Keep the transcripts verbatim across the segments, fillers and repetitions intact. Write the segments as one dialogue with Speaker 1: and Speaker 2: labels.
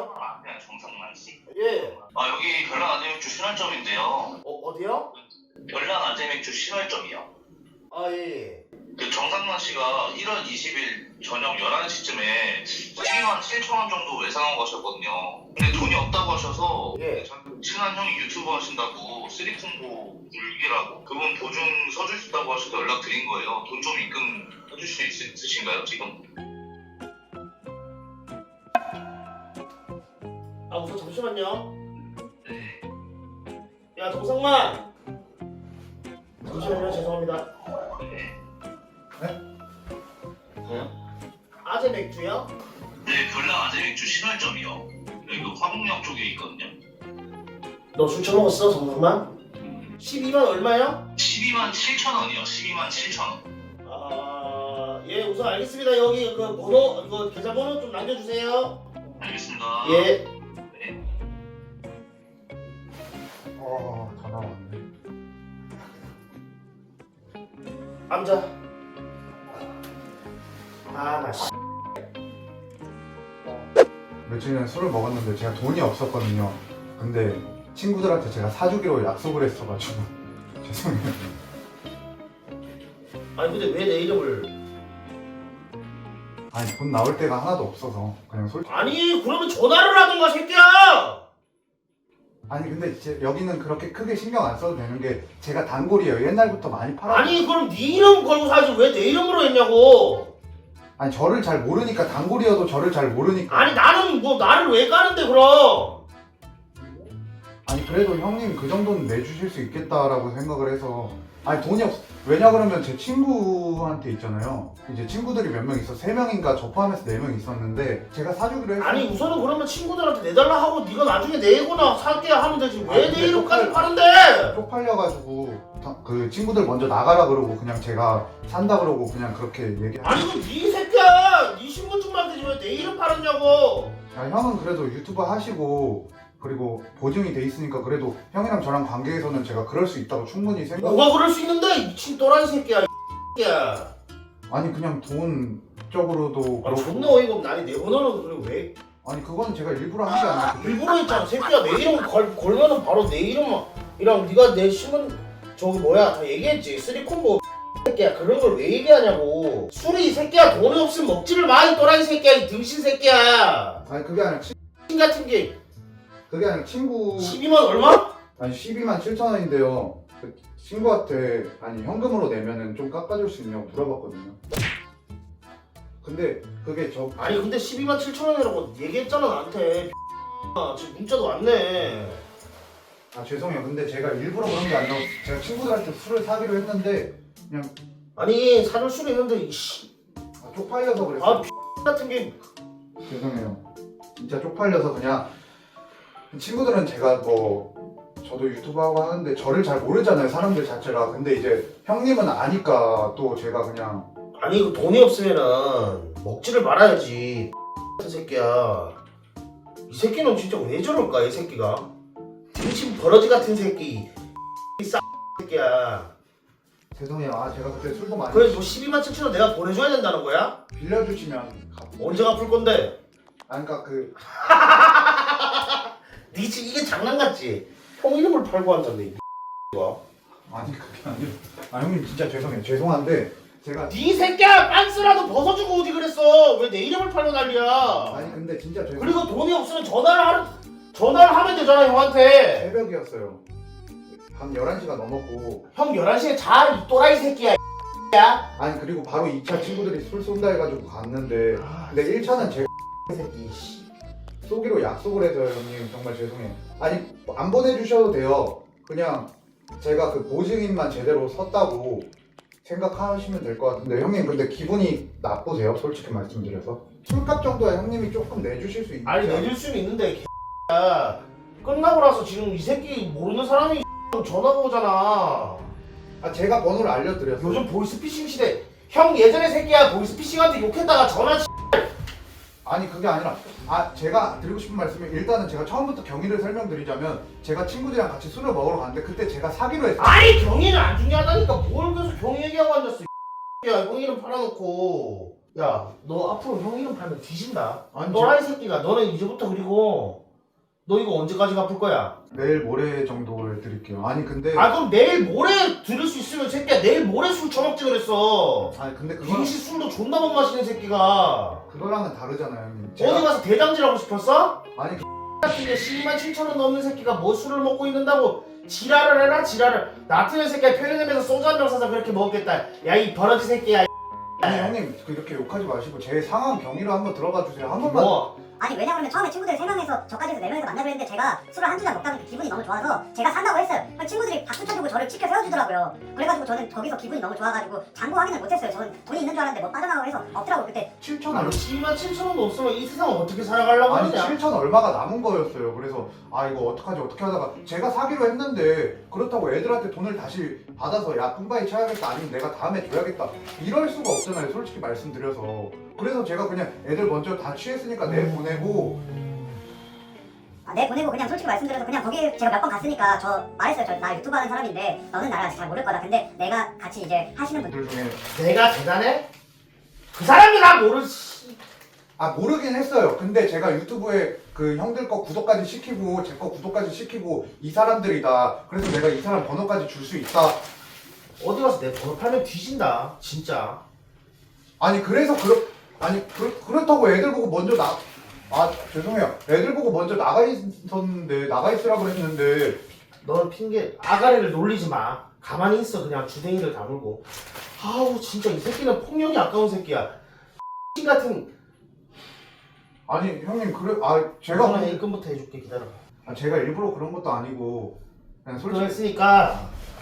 Speaker 1: 아, 네, 정상만 씨.
Speaker 2: 예.
Speaker 1: 아, 여기 별난 아재맥주 신월점인데요.
Speaker 2: 어, 어디요?
Speaker 1: 별난 아재맥주 신월점이요.
Speaker 2: 아, 예.
Speaker 1: 그 정상만 씨가 일월 이십일 저녁 열한 시쯤에 십이만 칠천 원 정도 외상하고 가셨거든요. 근데 돈이 없다고 하셔서
Speaker 2: 예.
Speaker 1: 친한 형이 유튜브 하신다고 쓰리콤보 물기라고 그분 보증 서줄 수 있다고 하셔서 연락드린 거예요. 돈 좀 입금해줄 수 있, 있으신가요 지금?
Speaker 2: 아, 우선 잠시만요.
Speaker 1: 네.
Speaker 2: 야, 동상만. 잠시만요, 죄송합니다.
Speaker 1: 네.
Speaker 2: 네? 아재 맥주요?
Speaker 1: 네, 별난 아재맥주 신월점이요. 여기 그 화곡역 쪽에 있거든요.
Speaker 2: 너 술 처먹었어, 동상만? 십이만 얼마요?
Speaker 1: 십이만 칠천 원이요. 십이만 칠천 원.
Speaker 2: 아, 예, 우선 알겠습니다. 여기 그 번호, 이거 계좌번호 좀 남겨주세요.
Speaker 1: 알겠습니다.
Speaker 2: 예.
Speaker 1: 네.
Speaker 3: 어, 전화 왔네.
Speaker 2: 앉아. 아, 나 씨.
Speaker 3: 며칠 전에 술을 먹었는데 제가 돈이 없었거든요. 근데 친구들한테 제가 사주기로 약속을 했어가지고 죄송해요.
Speaker 2: 아니, 근데 왜 내 이름을.
Speaker 3: 아니 돈 나올 데가 하나도 없어서 그냥 솔직히.
Speaker 2: 아니, 그러면 전화를 하든가, 새끼야!
Speaker 3: 아니 근데 제, 여기는 그렇게 크게 신경 안 써도 되는 게 제가 단골이에요. 옛날부터 많이 팔아.
Speaker 2: 아니, 그럼 네 이름 걸고 사지 왜 내 이름으로 했냐고!
Speaker 3: 아니 저를 잘 모르니까 단골이어도 저를 잘 모르니까.
Speaker 2: 아니, 나는 뭐, 나를 왜 까는데, 그럼!
Speaker 3: 아니 그래도 형님 그 정도는 내주실 수 있겠다라고 생각을 해서. 아니 돈이 없. 왜냐 그러면 제 친구한테 있잖아요. 이제 친구들이 몇 명 있어. 세 명인가 저 포함해서 네 명 있었는데 제가 사주기로 했어요.
Speaker 2: 아니, 우선은 그러면 친구들한테 내달라 하고 네가 나중에 내거나 살게 하면 되지. 왜
Speaker 3: 아니,
Speaker 2: 내
Speaker 3: 근데
Speaker 2: 이름까지
Speaker 3: 쪽팔-
Speaker 2: 파는데!
Speaker 3: 쪽팔려가지고 다- 그 친구들 먼저 나가라 그러고 그냥 제가 산다 그러고 그냥 그렇게 얘기.
Speaker 2: 아니, 그럼 네 새끼야! 네 신분증만 되지 왜 내 이름 팔았냐고!
Speaker 3: 아, 형은 그래도 유튜브 하시고 그리고 보증이 돼 있으니까 그래도 형이랑 저랑 관계에서는 제가 그럴 수 있다고 충분히 생각.
Speaker 2: 뭐가 그럴 수 있는데, 이 미친 또라이 새끼야, 이 새끼야.
Speaker 3: 아니 그냥 돈 쪽으로도
Speaker 2: 아,
Speaker 3: 그렇고.
Speaker 2: 존나 어이가 없네. 아니, 내 번호는 그래, 왜?
Speaker 3: 아니 그건 제가 일부러 한 게 아니라.
Speaker 2: 일부러 했잖아. 새끼야, 내 이름 걸, 걸면은 바로 내 이름이랑 네가 내 신분, 저기 뭐야, 다 얘기했지. 쓰리콤보 새끼야. 그런 걸 왜 얘기하냐고. 술이 이 새끼야, 돈이 없으면 먹지를 마, 이 또라이 새끼야, 이 등신 새끼야.
Speaker 3: 아니 그게 아니라 친,
Speaker 2: 신 같은 게
Speaker 3: 그게 아니라 친구.
Speaker 2: 십이만 얼마?
Speaker 3: 아니 십이만 칠천 원인데요. 그 친구한테 아니 현금으로 내면은 좀 깎아줄 수 있냐고 물어봤거든요. 근데 그게 저.
Speaker 2: 아니, 근데 십이만 칠천 원이라고 얘기했잖아, 나한테. 지금 문자도 왔네.
Speaker 3: 아 죄송해요. 근데 제가 일부러 그런 게 아니라 제가 친구들한테 술을 사기로 했는데 그냥.
Speaker 2: 아니, 사줄 수는 있는데, 이씨.
Speaker 3: 아, 쪽팔려서 그랬어요.
Speaker 2: 아, 같은 게.
Speaker 3: 죄송해요. 진짜 쪽팔려서 그냥. 친구들은 제가 뭐 저도 유튜브 하고 하는데 저를 잘 모르잖아요, 사람들 자체가. 근데 이제 형님은 아니까 또 제가 그냥.
Speaker 2: 아니, 그 돈이 없으면은 먹지를 말아야지. 같은 새끼야. 이 새끼는 진짜 왜 저럴까, 이 새끼가? 등신 버러지 같은 새끼. 이 싸 새끼야.
Speaker 3: 죄송해요. 아 제가 그때 술도 많이.
Speaker 2: 그래, 너 십이만 칠천 원 내가 보내줘야 된다는 거야?
Speaker 3: 빌려주시면 갚-
Speaker 2: 언제 갚을 건데?
Speaker 3: 아 그러니까 그.
Speaker 2: 니 지금 이게 장난 같지? 형 이름을 팔고 한다는데, 이 X가.
Speaker 3: 아니 그게 아니라. 아 형님 진짜 죄송해요. 죄송한데 제가.
Speaker 2: 니 새끼야, 빤스라도 벗어주고 오지 그랬어. 왜 내 이름을 팔고 난리야?
Speaker 3: 아니 근데 진짜 죄송.
Speaker 2: 그리고 돈이 없으면 전화를 하는 전화를 하면 되잖아, 형한테.
Speaker 3: 새벽이었어요. 밤 열한 시가 넘었고.
Speaker 2: 형 열한 시에 자, 이 또라이 새끼야, 이 X야.
Speaker 3: 아니 그리고 바로 이 차 친구들이 술 쏜다 해가지고 갔는데. 근데 일 차는 제가
Speaker 2: 이 새끼, 씨.
Speaker 3: 쏘기로 약속을 해서요. 형님 정말 죄송해요. 아니 안 보내주셔도 돼요. 그냥 제가 그 보증인만 제대로 섰다고 생각하시면 될 것 같은데. 형님 근데 기분이 나쁘세요? 솔직히 말씀드려서. 술값 정도야 형님이 조금 내주실 수 있지.
Speaker 2: 아니, 내줄 수는 있는데, X야. 끝나고 나서 지금 이 새끼 모르는 사람이 전화가 오잖아.
Speaker 3: 아 제가 번호를 알려드렸어요.
Speaker 2: 요즘 보이스피싱 시대. 형 예전에 새끼야 보이스피싱한테 욕했다가 전화 치-
Speaker 3: 아니 그게 아니라 아 제가 드리고 싶은 말씀이 일단은 제가 처음부터 경위를 설명드리자면 제가 친구들이랑 같이 술을 먹으러 갔는데 그때 제가 사기로 했어요.
Speaker 2: 아니, 경위는 안 중요하다니까. 뭘 계속 경위 얘기하고 앉았어, 이 X야. 형 이름 팔아놓고. 야, 너 앞으로 형 이름 팔면 뒤진다.
Speaker 3: 아니,
Speaker 2: 또라이 새끼가 너는 이제부터 그리고 너 이거 언제까지 갚을 거야?
Speaker 3: 내일 모레 정도를 드릴게요. 아니 근데
Speaker 2: 아 그럼 내일 모레 들을 수 있으면 새끼야 내일 모레 술 처먹지 그랬어.
Speaker 3: 아니 근데 그거
Speaker 2: 빙시 술도 존나 못 마시는 새끼가
Speaker 3: 그거랑은 다르잖아요, 형님.
Speaker 2: 어디 가서 대장질하고 싶었어?
Speaker 3: 아니
Speaker 2: 같은 게 십이만 칠천 원 넘는 새끼가 뭐 술을 먹고 있는다고 지랄을 해라 지랄을. 나 같은 새끼가 편의점에서 소주 한 병 사서 그렇게 먹겠다. 야 이 버러지 새끼야.
Speaker 3: 아니 형님 그렇게 욕하지 마시고 제 상황 경위로 한번 들어가 주세요. 한 번만.
Speaker 2: 뭐?
Speaker 4: 아니 왜냐면 처음에 친구들 세 명에서 저까지 해서 네 명에서 만나기로 했는데 제가 술을 한두 잔 먹다 보니까 기분이 너무 좋아서 제가 산다고 했어요. 그럼 친구들이 박수 쳐주고 저를 치켜 세워주더라고요. 그래가지고 저는 거기서 기분이 너무 좋아가지고 잔고 확인을 못했어요. 저는 돈이 있는 줄 알았는데 뭐 빠져나가고 해서 없더라고요 그때.
Speaker 3: 칠천
Speaker 2: 아니
Speaker 3: 얼마
Speaker 2: 십이만 칠천 원도 없으면 이 세상 어떻게 살아가려고
Speaker 3: 아니
Speaker 2: 하느냐?
Speaker 3: 칠천 얼마가 남은 거였어요. 그래서 아 이거 어떡하지 어떻게 하다가 제가 사기로 했는데 그렇다고 애들한테 돈을 다시 받아서 야 뿜바이 쳐야겠다 아니면 내가 다음에 줘야겠다 이럴 수가 없잖아요. 솔직히 말씀드려서. 그래서 제가 그냥 애들 먼저 다 취했으니까 내 보내고
Speaker 4: 아, 내 보내고 그냥 솔직히 말씀드려서 그냥 거기 제가 몇 번 갔으니까 저 말했어요. 저 나 유튜브 하는 사람인데 너는 나를 아직 잘 모를 거다. 근데 내가 같이 이제 하시는 분들
Speaker 3: 분들 중에
Speaker 2: 내가 대단해? 그 사람이 나 모르지.
Speaker 3: 아 모르긴 했어요. 근데 제가 유튜브에 그 형들 거 구독까지 시키고 제 거 구독까지 시키고 이 사람들이다. 그래서 내가 이 사람 번호까지 줄 수 있다.
Speaker 2: 어디 가서 내 번호 팔면 뒤진다 진짜.
Speaker 3: 아니 그래서 그렇 아니 그, 그렇다고 애들 보고 먼저 나 아 죄송해요. 애들 보고 먼저 나가 있었는데 나가 있으라 그랬는데
Speaker 2: 넌 핑계 아가리를 놀리지 마. 가만히 있어 그냥 주댕이를 다물고. 아우 진짜 이 새끼는 폭력이 아까운 새끼야. X 같은.
Speaker 3: 아니 형님 그래 아 제가
Speaker 2: 이거는 일금부터 해줄게 기다려.
Speaker 3: 아, 제가 일부러 그런 것도 아니고 그냥 솔직히
Speaker 2: 그랬으니까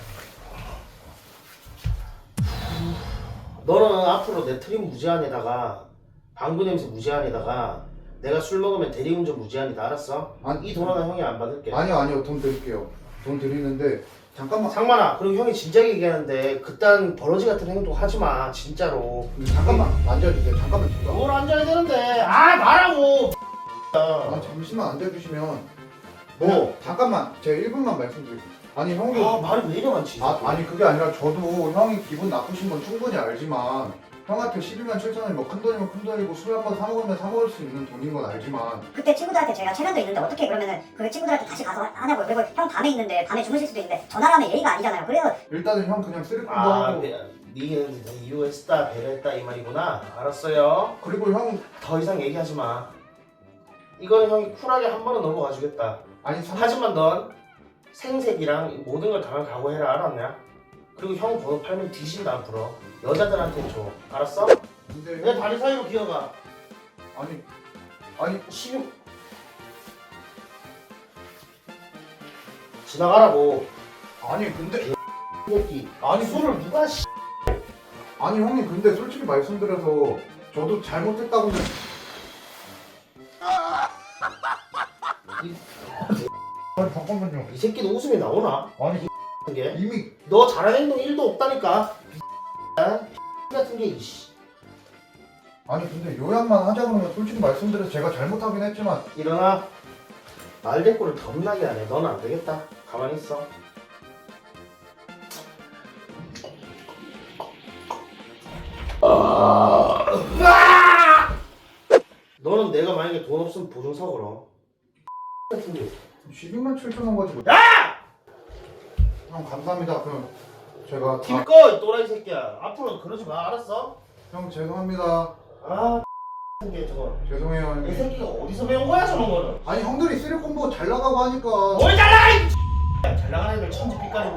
Speaker 2: 너는 앞으로 내 트림 무제한에다가 방구 냄새 무제한에다가 내가 술 먹으면 대리운전 무제한이다 알았어?
Speaker 3: 아니,
Speaker 2: 이 돈 하나 형이 안 받을게.
Speaker 3: 아니요 아니요 돈 드릴게요. 돈 드리는데 잠깐만
Speaker 2: 상만아 그리고 형이 진작에 얘기하는데 그딴 버러지 같은 행동 하지마 진짜로.
Speaker 3: 잠깐만 앉아주세요. 잠깐만 잠깐.
Speaker 2: 뭘 앉아야 되는데 아 말하고.
Speaker 3: 아 잠시만 앉아주시면
Speaker 2: 뭐?
Speaker 3: 잠깐만 제가 일 분만 말씀드릴게요. 아니 형님
Speaker 2: 아 말이 왜 이래 많지?
Speaker 3: 아, 아니 그게 아니라 저도 형이 기분 나쁘신 건 충분히 알지만 형한테 십이만 칠천 원이 뭐 큰돈이면 큰돈이고 술 한 번 사 먹으면 사 먹을 수 있는 돈인 건 알지만
Speaker 4: 그때 친구들한테 제가 체면도 있는데 어떻게 그러면은 그 친구들한테 다시 가서 하냐고요. 그리고 형 밤에 있는데 밤에 주무실 수도 있는데 전화를 하면 예의가 아니잖아요. 그래서
Speaker 3: 일단은 형 그냥 쓰리 콤보
Speaker 2: 아
Speaker 3: 하고
Speaker 2: 네, 니는 이유했다 배려했다 이 말이구나. 알았어요.
Speaker 3: 그리고 형
Speaker 2: 더 이상 얘기하지 마. 이거는 형이 쿨하게 한 번은 넘어가 주겠다.
Speaker 3: 아니 삼
Speaker 2: 하지만 넌 생색이랑 모든 걸 당할 각오해라 알았냐? 그리고 형 번호 팔면 뒤진다 앞으로. 여자들한테 줘. 알았어?
Speaker 3: 근데
Speaker 2: 내 다리 사이로 기어가.
Speaker 3: 아니 아니
Speaker 2: 십육 지나가라고.
Speaker 3: 아니 근데
Speaker 2: 새끼. 아니 술을 누가 씨.
Speaker 3: 아니 형님 근데 솔직히 말씀드려서 저도 잘못했다고는 아니 잠깐만요.
Speaker 2: 이 새끼도 웃음이 나오나?
Speaker 3: 아니
Speaker 2: 게
Speaker 3: 이미
Speaker 2: 너 잘하는 행동 일도 없다니까. 같은 게 이씨.
Speaker 3: 아니 근데 요약만 하자 그러면 솔직히 말씀드려서 제가 잘못하긴 했지만
Speaker 2: 일어나. 말대꾸를 겁나게 하네. 넌 안 되겠다. 가만히 있어. 아~ 너는 내가 만약에 돈 없으면 보증서 걸어. 같은 게.
Speaker 3: 십이만 칠천 원 가지고
Speaker 2: 야!
Speaker 3: 형 감사합니다. 그럼 제가 다...
Speaker 2: 길꺼 이 또라이 새끼야. 앞으로 그러지 마. 알았어?
Speaker 3: 형 죄송합니다.
Speaker 2: 아 X 게 저거.
Speaker 3: 죄송해요
Speaker 2: 이
Speaker 3: 형님.
Speaker 2: 새끼가 어디서 배운 거야 저런 거는?
Speaker 3: 아니 형들이 쓰리 콤보 잘 나가고 하니까
Speaker 2: 뭘 잘나가 이 잘 나가는 애들 천지 빛깔인데.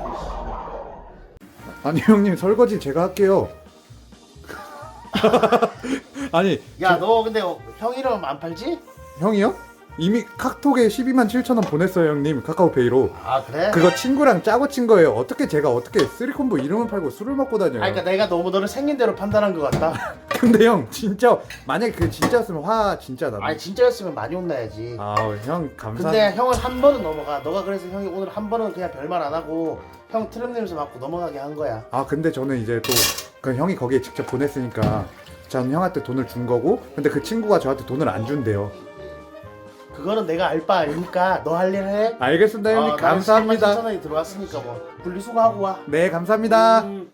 Speaker 3: 아니 형님 설거지 제가 할게요. 아니
Speaker 2: 야 너 근데 형 이름 안 팔지?
Speaker 3: 형이요? 이미 카톡에 십이만 칠천 원 보냈어요 형님. 카카오페이로.
Speaker 2: 아 그래?
Speaker 3: 그거 친구랑 짜고 친 거예요. 어떻게 제가 어떻게 쓰리 콤보 이름을 팔고 술을 먹고 다녀요.
Speaker 2: 아 그러니까 내가 너무 너를 생긴 대로 판단한 것 같다.
Speaker 3: 근데 형 진짜 만약에 그 진짜였으면 화 진짜 나도.
Speaker 2: 아니 진짜였으면 많이 혼나야지.
Speaker 3: 아형 감사.
Speaker 2: 근데 형은 한 번은 넘어가. 너가 그래서 형이 오늘 한 번은 그냥 별말 안 하고 형 트름 냄새 맡고 넘어가게 한 거야.
Speaker 3: 아 근데 저는 이제 또 그 형이 거기에 직접 보냈으니까 전 형한테 돈을 준 거고 근데 그 친구가 저한테 돈을 안 준대요.
Speaker 2: 그거는 내가 알 바 아니니까 너 할 일 해.
Speaker 3: 알겠습니다 형님.
Speaker 2: 어,
Speaker 3: 감사합니다.
Speaker 2: 칠천 원이 들어왔으니까 뭐 분리수거하고 와.
Speaker 3: 네 감사합니다.
Speaker 2: 음.